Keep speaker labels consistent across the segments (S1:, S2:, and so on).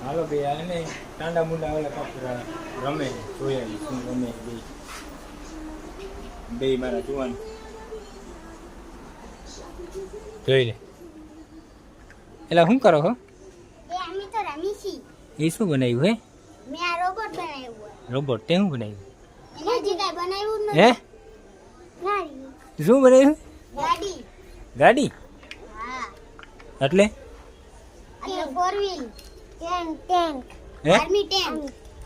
S1: હાલો બે આને ટાંડા મુંડા ઓલા કપડા રમે જોયા શું રમે બે મારા જુવાન જોઈ લે. એટલે શું કરો છો?
S2: અમે તો રમી છી.
S1: એ શું બનાવ્યું હે?
S2: મેં આ રોબોટ બનાવ્યું.
S1: રોબોટ તે શું બનાવ્યું?
S2: હજી કાંઈ બનાવ્યું જ
S1: હે?
S2: નથી. ગાડી.
S1: શું બનાવ્યું?
S2: ગાડી.
S1: ગાડી?
S2: હા.
S1: એટલે
S2: એટલે ફોર વ્હીલ. ટેન્ક.
S1: હે?
S2: Army tank.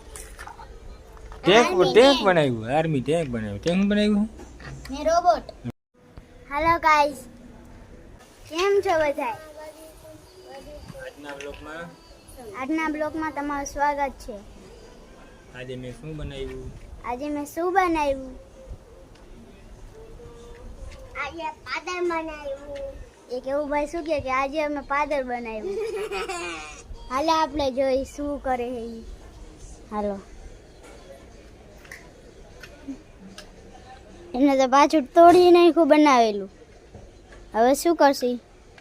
S1: ટેન્ક બનાવ્યું. આર્મી ટેન્ક બનાવ્યું. તે શું બનાવ્યું?
S2: ને રોબોટ. Hello guys. કેમ છો બધા? આજના બ્લોગમાં તમારું સ્વાગત છે.
S1: આજે મેં શું બનાવ્યું?
S2: આજે પાદર બનાવ્યું. એક એવું ભાઈ શું કહે કે આજે અમે પાદર બનાવ્યું. હાલો આપણે જોઈ શું કરે છે ઈ. હાલો. એને તો પાછું તોડી નાખ્યું બનાવેલું. હવે શું કરશી?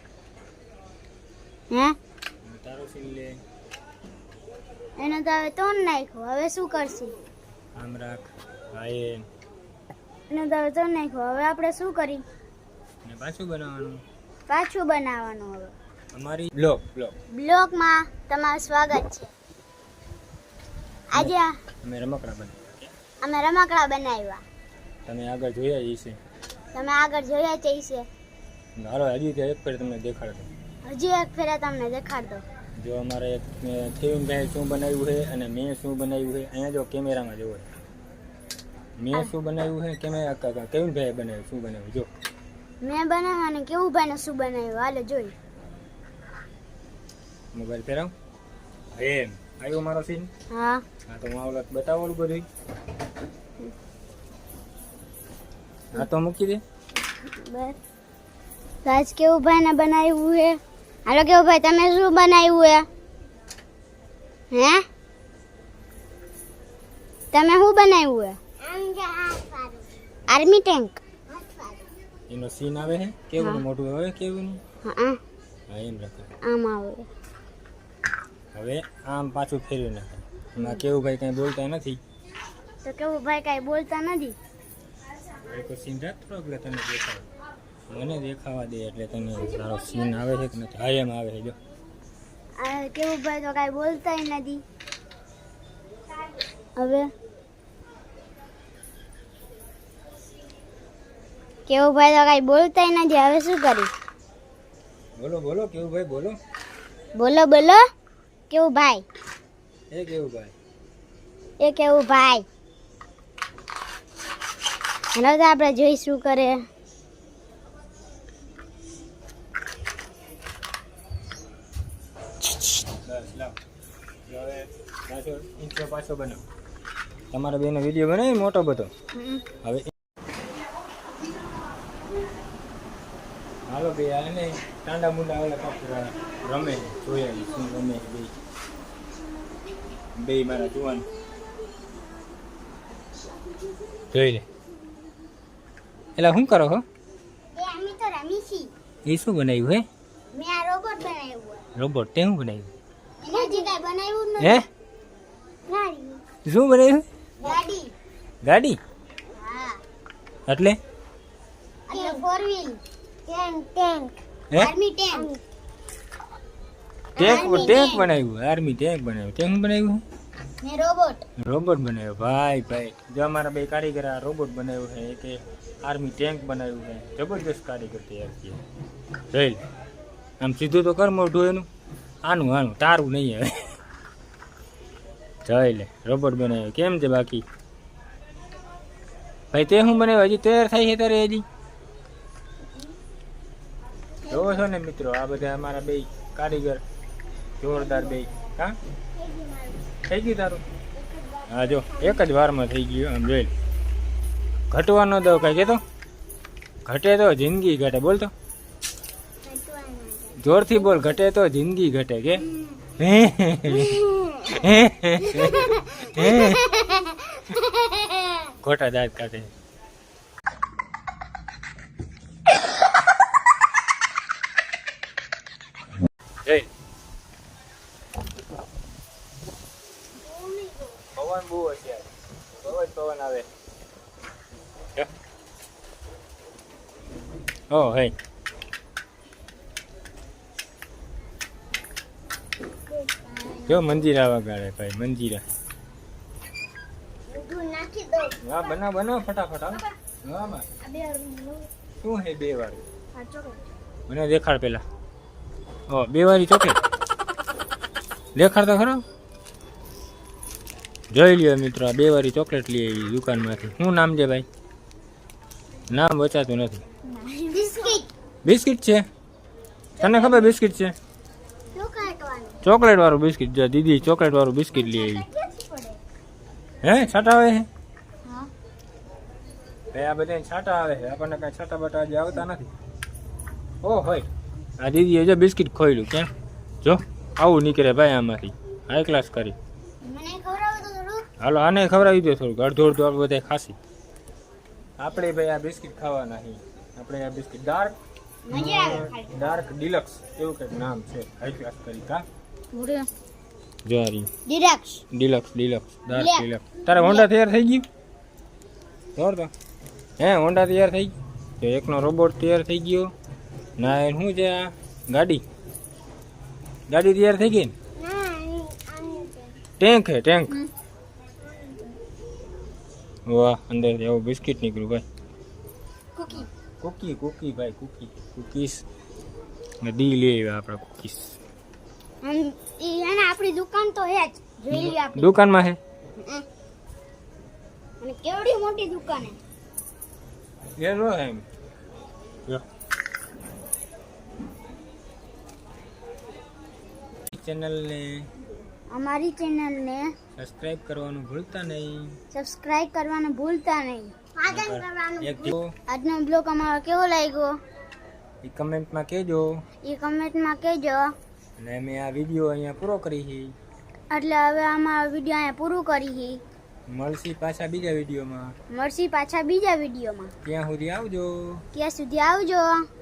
S2: હે?
S1: તારો સીન લે.
S2: એને તો હવે તોડ નાખ્યું. હવે શું કરશી?
S1: આમ રાખ. હાય
S2: એને તો હવે તોડ નાખ્યું. હવે આપણે શું કરી?
S1: ને પાછું બનાવવાનું.
S2: પાછું બનાવવાનું. હવે
S1: અમારી
S2: બ્લોગમાં તમારું સ્વાગત છે. આજે
S1: અમે રમકડા બનાવ્યા.
S2: અમે રમકડા બનાવ્યા.
S1: તમે આગળ જોયા જ છે.
S2: તમે આગળ જોયા જ છે.
S1: હાલો હજી એક ફેર તમને દેખાડતો.
S2: હજી એક ફેરા તમને દેખાડતો.
S1: જો અમારે થેવીનભાઈ શું બનાવ્યું છે અને મેં શું બનાવ્યું છે અહીંયા જો કેમેરામાં જોવો. મેં શું બનાવ્યું છે કેવિનભાઈએ બનાવ્યું શું બનાવ્યું જો.
S2: મેં બનાવવાનું કેવું ભાઈને શું બનાવ્યું હાલો જોઈ.
S1: મોબાઈલ ફેરાવ. એમ આવ્યો મારો સીન.
S2: હા
S1: તો હું આવડત બતાવવાનું બધું. હા તો મૂકી દે.
S2: બસ રાજ કેવું ભાઈને બનાવ્યું છે. હાલો કેવું ભાઈ તમે શું બનાવ્યું હે? હે તમે શું બનાવ્યું હે? Army tank.
S1: એનો સીન આવે છે કેવું મોટું આવે કેવું.
S2: હા
S1: એમ રાખો.
S2: આમ આવે.
S1: હવે આમ પાછું ફેરવી નાખે. એમાં કેવું ભાઈ કઈ બોલતા નથી.
S2: તો કેવું ભાઈ કઈ બોલતા નથી.
S1: તો સીન રાખતો એટલે તને દેખાવ. મને દેખાવા દે એટલે તને સારો સીન આવે છે કે નથી. હા એમ આવે છે જો.
S2: કેવું ભાઈ તો કઈ બોલતા નથી. હવે કેવું ભાઈ તો કઈ બોલતા નથી. હવે શું કરી?
S1: બોલો કેવું ભાઈ બોલો.
S2: બોલો કેવું ભાઈ.
S1: એ કેવું ભાઈ.
S2: એ કેવું ભાઈ. હવે તો આપણે જોઈ શું કરે.
S1: બસ લાવ. હવે પાછો ઇન્ટ્રો પાછો બનાવો. તમારા બેનો વિડીયો બનાવી મોટો બધો. હવે હાલો બે આને ટાંડા મુંડા ઓલા કપડા રમે જોયા શું રમે બે મારા જુવાન જોઈ લે. એટલે શું કરો છો?
S2: અમે તો રમી છી.
S1: એ શું બનાવ્યું હે?
S2: મેં આ રોબોટ બનાવ્યું.
S1: રોબોટ તે શું બનાવ્યું?
S2: હજી કાંઈ બનાવ્યું જ
S1: હે?
S2: નથી. ગાડી.
S1: શું બનાવ્યું?
S2: ગાડી.
S1: ગાડી?
S2: હા
S1: એટલે
S2: એટલે ફોર વ્હીલ. ટેન્ક.
S1: હે?
S2: Army tank.
S1: ટેન્ક બનાવ્યું. આર્મી ટેન્ક બનાવ્યું. તે શું બનાવ્યું?
S2: ને રોબોટ.
S1: રોબોટ બનાવ્યો. ભાઈ જો અમારા બે કારીગર આ રોબોટ બનાવ્યું છે કે આર્મી ટેન્ક બનાવ્યું છે. જબરદસ્ત કારીગર તૈયાર છે. જોઈ લે. આમ સીધું તો કર મોઢું એનું. આનું તારું નહીં હવે. જોઈ લે રોબોટ બનાવ્યો. કેમ છે બાકી ભાઈ? તે શું બનાવ્યું? હજી તૈયાર થાય છે તારે હજી? જોવો છો ને મિત્રો આ બધા અમારા બે કારીગર જોરદાર બે. હા થઈ ગયું તારું? હા જો એક જ વારમાં થઈ ગયું. આમ જોઈ લે. ઘટવા ન દો કઈ કેતો. ઘટે તો જિંદગી ઘટે. બોલતો જોરથી બોલ. ઘટે તો જિંદગી ઘટે કે. ખોટા દાંત કાઢે. ઓ હે જો મંજીરા વગાડે ભાઈ મંજીરા.
S2: દૂધ નાખી દો.
S1: હા બનાવ બનાવ ફટાફટ હાલો. હા બા
S2: આ બે
S1: શું હે બે વાળી
S2: આ ચોકલેટ.
S1: મને દેખાડ પેલા. ઓ બે વાળી ચોકલેટ દેખાડ તો ખરો. જોઈ લ્યો મિત્રો આ બે વાળી ચોકલેટ લઈ આવી દુકાનમાંથી. શું નામ છે ભાઈ? નામ બચાતું નથી.
S2: બિસ્કિટ.
S1: બિસ્કિટ છે તને ખબર બિસ્કિટ છે?
S2: ચોકલેટ વાળું.
S1: ચોકલેટ વાળું બિસ્કિટ. જો દીદી ચોકલેટ વાળું બિસ્કિટ લઈ આવી.
S2: ક્યાંથી પડે?
S1: હે છાટા આવે છે
S2: હા.
S1: ભાઈ આ બધા છાટા આવે છે આપણને કઈ છાટા બટા હજી આવતા નથી. ઓ હોય આ દીદીએ જો બિસ્કિટ ખોઈલું કેમ જો આવું નીકળે ભાઈ આમાંથી. હાઈ ક્લાસ કરી.
S2: મને ખવડાવો તો થોડું.
S1: હાલો આને ખવડાવી દો થોડુંક. અડધો અડધો આપણે બધા ખાસી. આપણે ભાઈ આ બિસ્કિટ ખાવાના છે. આપણે આ બિસ્કિટ ડાર્ક
S2: મજા આવે ખાઈ.
S1: ડાર્ક ડિલક્સ એવું કંઈક નામ છે. હાઈ ક્લાસ કરી કા
S2: પૂરે
S1: જો આ રહ્યું.
S2: ડિરેક્સ.
S1: ડિલક્સ ડિલક્સ ડાર્ક
S2: લે.
S1: ડિલક્સ. તારે હોન્ડા તૈયાર થઈ ગયું? જોર તો હે હોન્ડા તૈયાર થઈ ગયું. તો એકનો રોબોટ તૈયાર થઈ ગયો. ના એ શું છે આ ગાડી ગાડી તૈયાર થઈ ગઈ ને? ટેન્ક હે ટેન્ક. વાહ અંદર એવું બિસ્કિટ નીકળ્યું ભાઈ.
S2: કુકી.
S1: કુકી કુકી ભાઈ કુકી કુકીસ ને ડી લઈ આવ્યા આપણે કુકીસ.
S2: ઈ અને આપણી દુકાન તો હે જ. જોઈ લ્યો આપણી.
S1: દુકાનમાં હે
S2: અને કેવડી મોટી દુકાન હે.
S1: એ રો એમ જો ચેનલને
S2: અમારી ચેનલને
S1: સબસ્ક્રાઇબ કરવાનું ભૂલતા નહીં.
S2: સબસ્ક્રાઇબ કરવાનું ભૂલતા નહીં.
S1: એક જો
S2: આજનો બ્લોગ અમારો કેવો લાગ્યો
S1: એ કમેન્ટમાં કહેજો.
S2: એ કમેન્ટમાં કહેજો.
S1: અને અમે આ વિડીયો અહીંયા પૂરો કરી છે.
S2: એટલે હવે અમારો વિડીયો અહીંયા પૂરું કરી.
S1: મળશી પાછા બીજા વિડીયોમાં.
S2: મળશી પાછા બીજા વિડીયોમાં.
S1: ત્યાં સુધી આવજો.
S2: ત્યાં સુધી આવજો.